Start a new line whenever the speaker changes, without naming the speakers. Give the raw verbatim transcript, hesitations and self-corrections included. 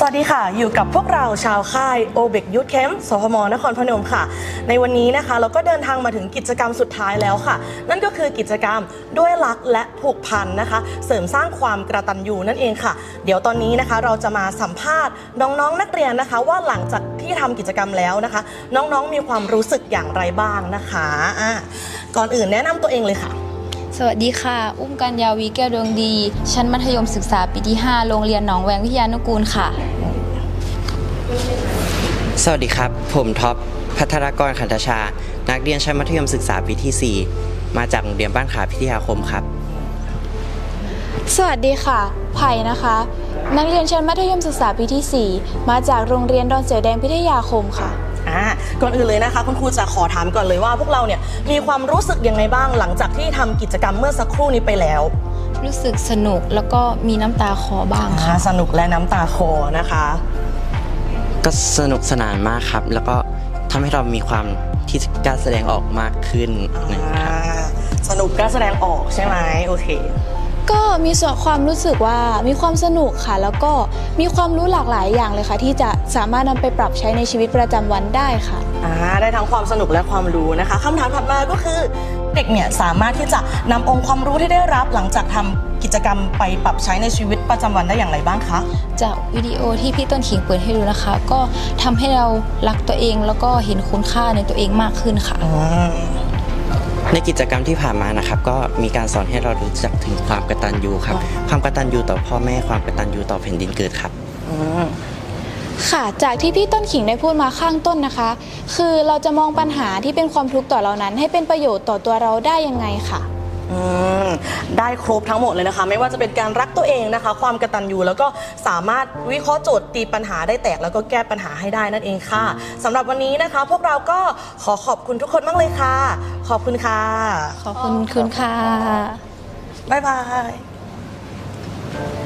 สวัสดีค่ะอยู่กับพวกเราชาวค่ายโอเบกยูทแคมป์สพมนครพนมค่ะในวันนี้นะคะเราก็เดินทางมาถึงกิจกรรมสุดท้ายแล้วค่ะนั่นก็คือกิจกรรมด้วยรักและผูกพันนะคะเสริมสร้างความกตัญญูนั่นเองค่ะเดี๋ยวตอนนี้นะคะเราจะมาสัมภาษณ์น้องๆ น, นักเรียนนะคะว่าหลังจากที่ทำกิจกรรมแล้วนะคะน้องๆมีความรู้สึกอย่างไรบ้างนะคะอ่ะก่อนอื่นแนะนำตัวเองเลยค่ะ
สวัสดีค่ะอุ้มกัญญาวีแก้วดวงดีชั้นมัธยมศึกษาปีที่ห้าโรงเรียนหนองแวงวิทยานุกูลค่ะ
สวัสดีครับผมท็อปพัทรกรขันธชานักเรียนชั้นมัธยมศึกษาปีที่สี่มาจากโรงเรียนบ้านขาพิทยาคมครับ
สวัสดีค่ะไผ่นะคะนักเรียนชั้นมัธยมศึกษาปีที่สี่มาจากโรงเรียนดอนเสือแดงพิทยาคมค่ะ
อ่าก่อนอื่นเลยนะคะคุณครูจะขอถามก่อนเลยว่าพวกเราเนี่ยมีความรู้สึกยังไงบ้างหลังจากที่ทำกิจกรรมเมื่อสักครู่นี้ไปแล้ว
รู้สึกสนุกแล้วก็มีน้ำตาคลอบ้างค่ะ
สนุกและน้ำตาคลอนะคะ
ก็สนุกสนานมากครับแล้วก็ทำให้เรามีความที่กล้าแสดงออกมากขึ้นนะครับ
สนุกกล้าแสดงออกใช่ไหมโอเค
ก็มีส่วนความรู้สึกว่ามีความสนุกค่ะแล้วก็มีความรู้หลากหลายอย่างเลยค่ะที่จะสามารถนำไปปรับใช้ในชีวิตประจำวันได้ค่ะ
อ่าได้ทั้งความสนุกและความรู้นะคะคำถามถัดมาก็คือเด็กเนี่ยสามารถที่จะนำองค์ความรู้ที่ได้รับหลังจากทำกิจกรรมไปปรับใช้ในชีวิตประจำวันได้อย่างไรบ้างคะ
จากวิดีโอที่พี่ต้นขิงเปิดให้ดูนะคะก็ทำให้เรารักตัวเองแล้วก็เห็นคุณค่าในตัวเองมากขึ้นค่ะ
ในกิจกรรมที่ผ่านมานะครับก็มีการสอนให้เรารู้จักถึงความกตัญญูครับความกตัญญูต่อพ่อแม่ความกตัญญูต่อแผ่นดินเกิดครับ
ค่ะจากที่พี่ต้นขิงได้พูดมาข้างต้นนะคะคือเราจะมองปัญหาที่เป็นความทุกข์ต่อเรานั้นให้เป็นประโยชน์ต่อตัวเราได้ยังไงค่ะ
ได้ครบทั้งหมดเลยนะคะไม่ว่าจะเป็นการรักตัวเองนะคะความกตัญญูแล้วก็สามารถวิเคราะห์โจทย์ตีปัญหาได้แตกแล้วก็แก้ปัญหาให้ได้นั่นเองค่ะสำหรับวันนี้นะคะพวกเราก็ขอขอบคุณทุกคนมากเลยค่ะขอบคุณค่ะ
ขอบคุณคุณค่ะ
บ๊ายบาย